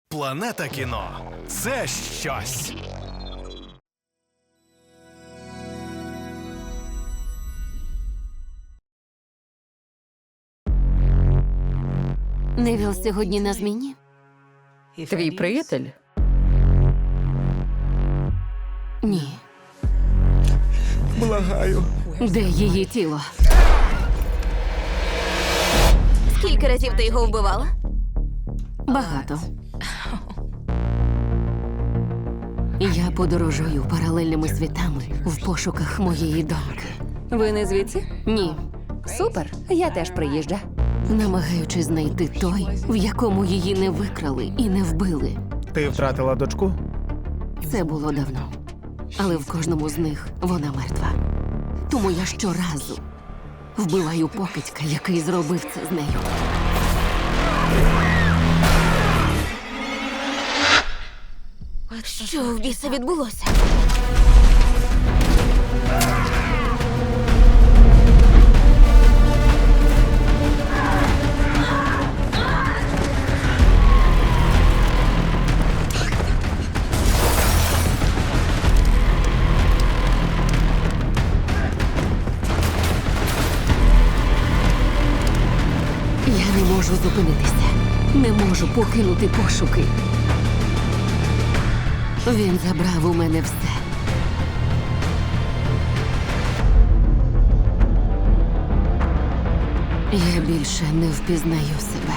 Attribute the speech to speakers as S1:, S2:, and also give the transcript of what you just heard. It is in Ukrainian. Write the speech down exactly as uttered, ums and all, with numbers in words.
S1: Планета кіно – це щось.
S2: Невіл сьогодні на зміні?
S3: Твій приятель?
S2: Ні.
S1: Благаю.
S2: Де її тіло?
S4: Скільки разів ти його вбивала?
S2: Багато. Я подорожую паралельними світами в пошуках моєї доньки.
S3: Ви не звідси?
S2: Ні.
S3: Супер. Я теж приїжджа.
S2: Намагаючись знайти той, в якому її не викрали і не вбили.
S5: Ти втратила дочку?
S2: Це було давно. Але в кожному з них вона мертва. Тому я щоразу вбиваю покидька, який зробив це з нею.
S4: Що в біса відбулося?
S2: Я не можу зупинитися. Не можу покинути пошуки. Він забрав у мене все. Я більше не впізнаю себе.